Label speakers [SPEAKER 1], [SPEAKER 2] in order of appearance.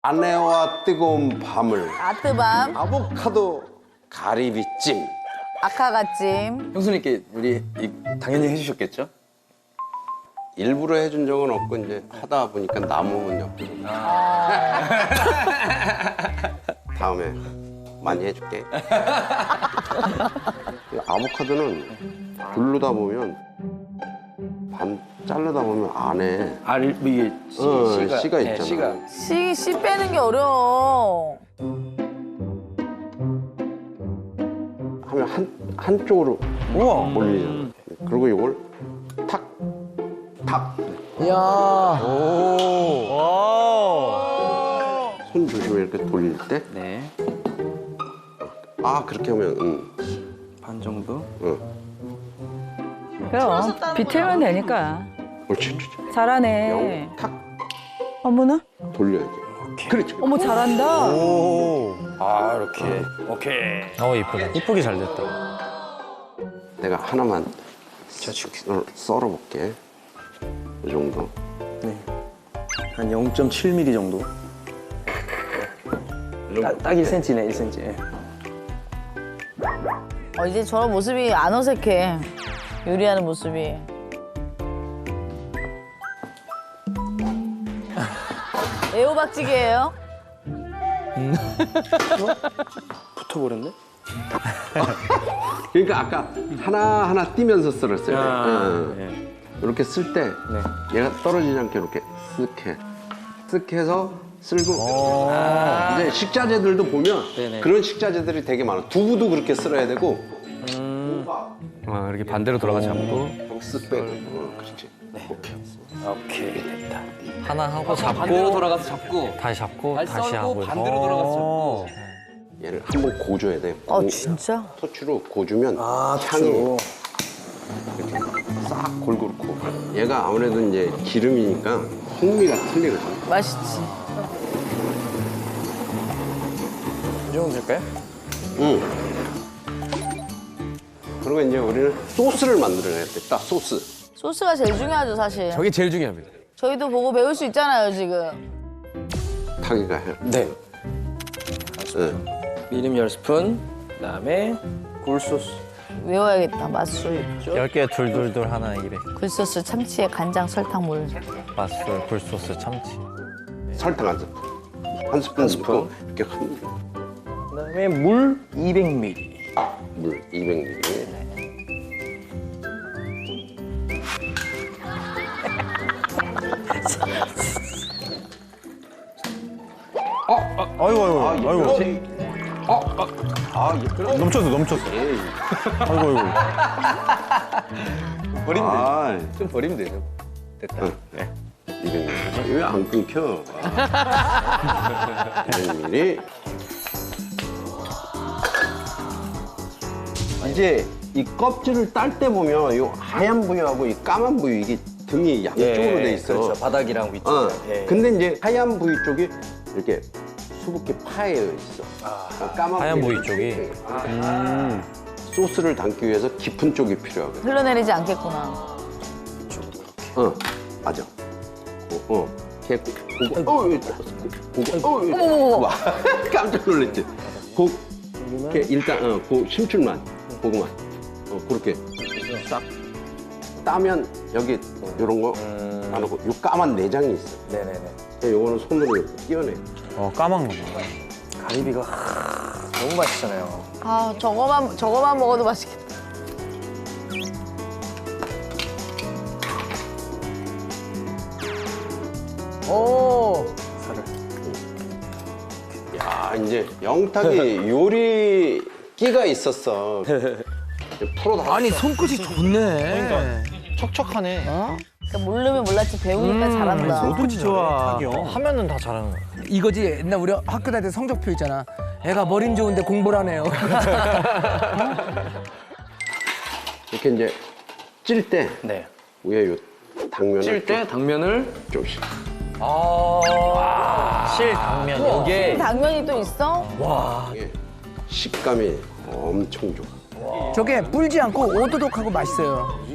[SPEAKER 1] 아내와 뜨거운 밤을
[SPEAKER 2] 아뜨밤,
[SPEAKER 1] 아보카도 가리비찜.
[SPEAKER 2] 아카가찜.
[SPEAKER 3] 형수님께 우리 당연히 해주셨겠죠?
[SPEAKER 1] 일부러 해준 적은 없고 이제 하다 보니까 남으면 옆으로. 다음에 많이 해줄게. 아보카도는 굴르다 보면 반 자르다 보면 안에
[SPEAKER 3] 이게
[SPEAKER 1] 씨가
[SPEAKER 3] 네,
[SPEAKER 1] 있잖아.
[SPEAKER 2] 씨 빼는 게 어려워.
[SPEAKER 1] 하면 한쪽으로
[SPEAKER 3] 우와.
[SPEAKER 1] 올리잖아. 그리고 이걸 탁, 탁. 손 조심해 이렇게 돌릴 때.
[SPEAKER 3] 네.
[SPEAKER 1] 아 그렇게 하면
[SPEAKER 3] 반 정도.
[SPEAKER 4] 그럼 비틀면 되니까.
[SPEAKER 1] 옳지.
[SPEAKER 4] 잘하네.
[SPEAKER 1] 탁
[SPEAKER 4] 어머나?
[SPEAKER 1] 돌려야지. 그렇지.
[SPEAKER 4] 어머 잘한다.
[SPEAKER 3] 아 이렇게. 오케이.
[SPEAKER 5] 이쁘다. 이쁘게 잘 됐다.
[SPEAKER 1] 내가 하나만
[SPEAKER 3] 줄게.
[SPEAKER 1] 썰어볼게. 이 정도.
[SPEAKER 3] 네. 한 0.7mm 정도. 딱 1cm네, 1cm.
[SPEAKER 2] 이제 저런 모습이 안 어색해. 요리하는 모습이. 애호박찌개예요?
[SPEAKER 3] 붙어버렸네?
[SPEAKER 1] 그러니까 아까 하나 띄면서 썰었어요.
[SPEAKER 3] 네.
[SPEAKER 1] 이렇게 쓸 때 얘가 떨어지지 않게 이렇게 쓱 해서 쓸고 이제 식자재들도 보면
[SPEAKER 3] 네네.
[SPEAKER 1] 그런 식자재들이 되게 많아. 두부도 그렇게 썰어야 되고
[SPEAKER 5] 이렇게 반대로 돌아가 잡고
[SPEAKER 1] 쓱 빼고 그렇지. 오케이.
[SPEAKER 3] 오케이, 됐다.
[SPEAKER 5] 하나 하고 잡고
[SPEAKER 3] 반대로 돌아가서 잡고.
[SPEAKER 5] 다시 잡고
[SPEAKER 3] 잘
[SPEAKER 5] 다시
[SPEAKER 3] 썰고
[SPEAKER 5] 하고
[SPEAKER 3] 반대로 돌아가서 잡고.
[SPEAKER 1] 얘를 한번 고줘야 돼.
[SPEAKER 2] 진짜?
[SPEAKER 1] 토치로 고주면 향이
[SPEAKER 3] 향이.
[SPEAKER 1] 싹 골고루 고. 얘가 아무래도 이제 기름이니까 풍미가 틀리거든.
[SPEAKER 2] 맛있지.
[SPEAKER 3] 이 정도 될까요?
[SPEAKER 1] 응. 그리고 이제 우리는 소스를 만들어야 돼. 딱 소스.
[SPEAKER 2] 소스가 제일 중요하죠, 사실.
[SPEAKER 5] 저게 제일 중요합니다.
[SPEAKER 2] 저희도 보고 배울 수 있잖아요, 지금.
[SPEAKER 1] 타기가 해.
[SPEAKER 3] 네.
[SPEAKER 1] 응.
[SPEAKER 3] 미림 10스푼, 그다음에 굴소스.
[SPEAKER 2] 외워야겠다, 맛술.
[SPEAKER 5] 10개 둘둘둘 하나 이래.
[SPEAKER 2] 굴소스, 참치에 간장, 설탕, 물.
[SPEAKER 5] 맛술, 굴소스, 참치.
[SPEAKER 1] 설탕 한 스푼. 한 스푼 넣고 이렇게 흔들어.
[SPEAKER 3] 그다음에 물 200ml.
[SPEAKER 1] 물 200ml.
[SPEAKER 5] 넘쳤어. 아이고.
[SPEAKER 3] 버리면
[SPEAKER 1] 아,
[SPEAKER 3] 되죠. 좀 버리면 되죠. 됐다. 네.
[SPEAKER 1] 200ml. 왜 안 끊겨? 200ml. 이제 이 껍질을 딸 때 보면 이 하얀 부위하고 이 까만 부위 이게 등이 양쪽으로 돼 있어.
[SPEAKER 3] 그렇죠. 바닥이랑 위쪽.
[SPEAKER 1] 근데 이제 하얀 부위 쪽이 이렇게 수북히 파여 있어. 까만
[SPEAKER 5] 하얀 부위
[SPEAKER 1] 쪽이.
[SPEAKER 5] 쪽이?
[SPEAKER 1] 소스를 담기 위해서 깊은 쪽이 필요하거든.
[SPEAKER 2] 흘러내리지 않겠구나.
[SPEAKER 1] 맞아. 걔 와, 깜짝 놀랐지. 걔 일단 그 심줄만, 고구마, 그렇게 싹 따면 여기 이런 거 안 하고 요 까만 내장이 있어.
[SPEAKER 3] 네네네.
[SPEAKER 1] 요거는 손으로 이렇게 띄어내.
[SPEAKER 5] 까만 거.
[SPEAKER 3] 가리비가 너무 맛있잖아요.
[SPEAKER 2] 저거만 먹어도 맛있겠다. 오.
[SPEAKER 3] 살을.
[SPEAKER 1] 야, 이제 영탁이 요리 끼가 있었어. 프로다.
[SPEAKER 6] 아니 손끝이 좋네.
[SPEAKER 5] 그러니까 척척하네.
[SPEAKER 2] 그러니까 모르면 몰랐지 배우니까 잘한다.
[SPEAKER 6] 손끝이 좋아.
[SPEAKER 5] 하면은 다 잘하는 거야.
[SPEAKER 6] 이거지 옛날 우리 학교 다닐 때 성적표 있잖아. 애가 머리는 좋은데 공부를 안 해요.
[SPEAKER 1] 이렇게 이제 찔 때
[SPEAKER 3] 네.
[SPEAKER 1] 위에 요 당면을
[SPEAKER 3] 찔 때 당면을
[SPEAKER 1] 조금씩.
[SPEAKER 5] 실당면 이게
[SPEAKER 2] 당면이 또 있어?
[SPEAKER 1] 이게 식감이 엄청 좋아.
[SPEAKER 6] 저게 불지 않고 오도독하고 맛있어요.